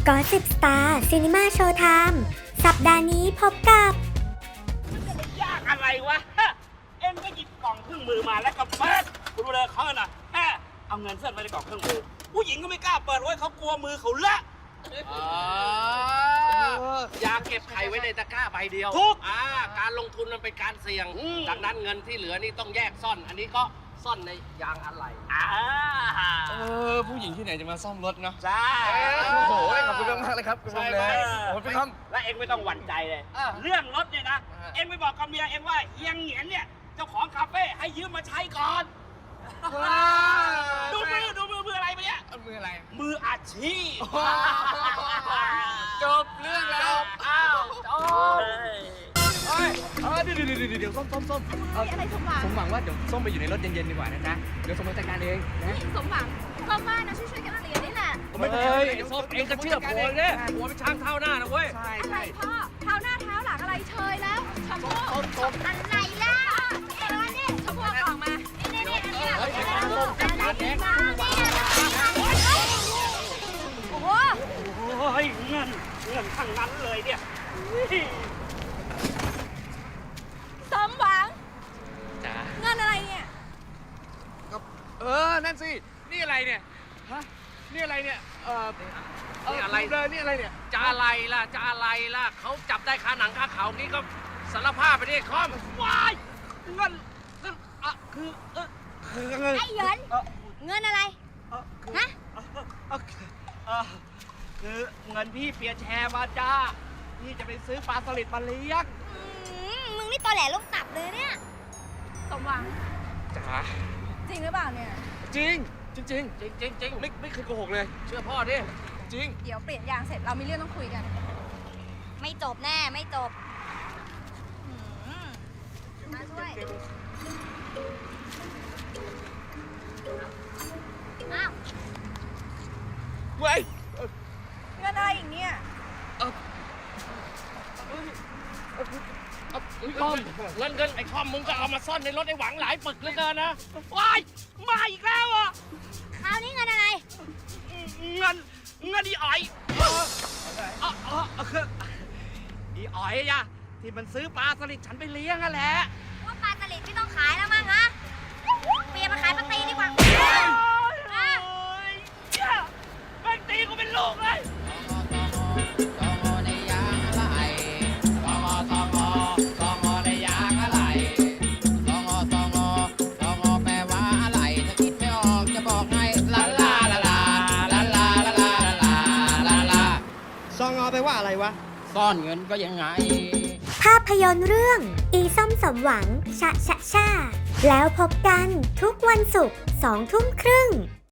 กอสิบสตาร์ซีนีมาโชว์ไทม์สัปดาห์นี้พบกับยากอะไรวะเอ็มก็หยิบกล่องเครื่องมือมาแล้วก็เปิดคุณดูเลยเขาน่ะเอาเงินเส้นไว้ในกล่องเครื่องมือผู้หญิงก็ไม่กล้าเปิดไว้เขากลัวมือเขาเลอะอย่าเก็บไข่ไว้ในตะกร้าใบเดียวทุกการลงทุนมันเป็นการเสี่ยงดังนั้นเงินที่เหลือนี่ต้องแยกซ่อน อันนี้ก็ซ่อนในยางอะไหล่ผู้หญิงที่ไหนจะมาซ่อมรถเนาะใช่โอ้โหขอบคุณมากเลยครับคุณลุงเลยขอบคุณครับและเอ็งไม่ต้องหวั่นใจเลยเรื่องรถเนี่ยนะเอ็งไปบอกกับเมียเอ็งว่าเฮียงเหงียนเนี่ยเจ้าของคาเฟ่ให้ยืมมาใช้ก่อนดูมืออะไรไปเนี่ยมืออะไรมืออาชีพจบเรื่องแล้วจบเดี๋ยวส้มอะไรสมหวังสมหวังว่าเดี๋ยวส้มไปอยู่ในรถเย็นๆดีกว่านะจ๊ะเดี๋ยวส้มมาจัดการเองนะสมหวังก็ว่านะช่วยกันเรียนนี่แหละไม่ได้ส้มเองก็เชื่อผมเนี่ยหัวเป็นช้างเท้าหน้านะเว้ยอะไรพ่อเท้าหน้าเท้าหลังอะไรเชยแล้วชมพู่อะไรล่ะนี่ชมพู่ออกมานี่โอ้โหเงินทั้งนั้นเลยเนี่ยสมหวังจ้าเงินอะไรเนี่ยนั่นสินี่อะไรเนี่ยฮะนี่อะไรเนี่ยนี่อะไรนี่อะไรเนี่ยจะอะไรล่ะเขาจับได้คาหนังคาเขานี่ก็สารภาพไปดิคอมว้ายเงินคือเงินไอ้เหยินเงินอะไรฮะคือเงินพี่เปียแชร์มาจ้าพี่จะไปซื้อปลาสลิดมาเลี้ยงมึงนี่ตอแหลลูกตับเลยเนี่ยสมหวังจ๋าจริงหรือเปล่าเนี่ยจริงไม่เคยโกหกเลยเชื่อพ่อดิจริงเดี๋ยวเปลี่ยนยางเสร็จเรามีเรื่องต้องคุยกันไม่จบแน่ไม่จบมาช่วยอ้าวเว้ยเงินอะไรอีกเนี่ยคอมเงินไอ้คอมมึงก็เอามาซ่อนในรถไอ้หวังหลายปึกเหลือเกินนะว้ายมาอีกแล้วอ่ะคราวนี้เงินอะไรเงินอีอ๋อยอีอ๋อยอะที่มันซื้อปลาสลิดฉันไปเลี้ยงอะแหละว่าปลาสลิดไม่ต้องขายแล้วมั้งฮะเปลี่ยนมาขายปลาตีดีกว่าแม่งตีกูเป็นลูกเลยซองอไปว่าอะไรวะซ่อนเงินก็ยังไงภาพยนตร์เรื่องอีส้มสมหวังชะแล้วพบกันทุกวันศุกร์ 20:30 น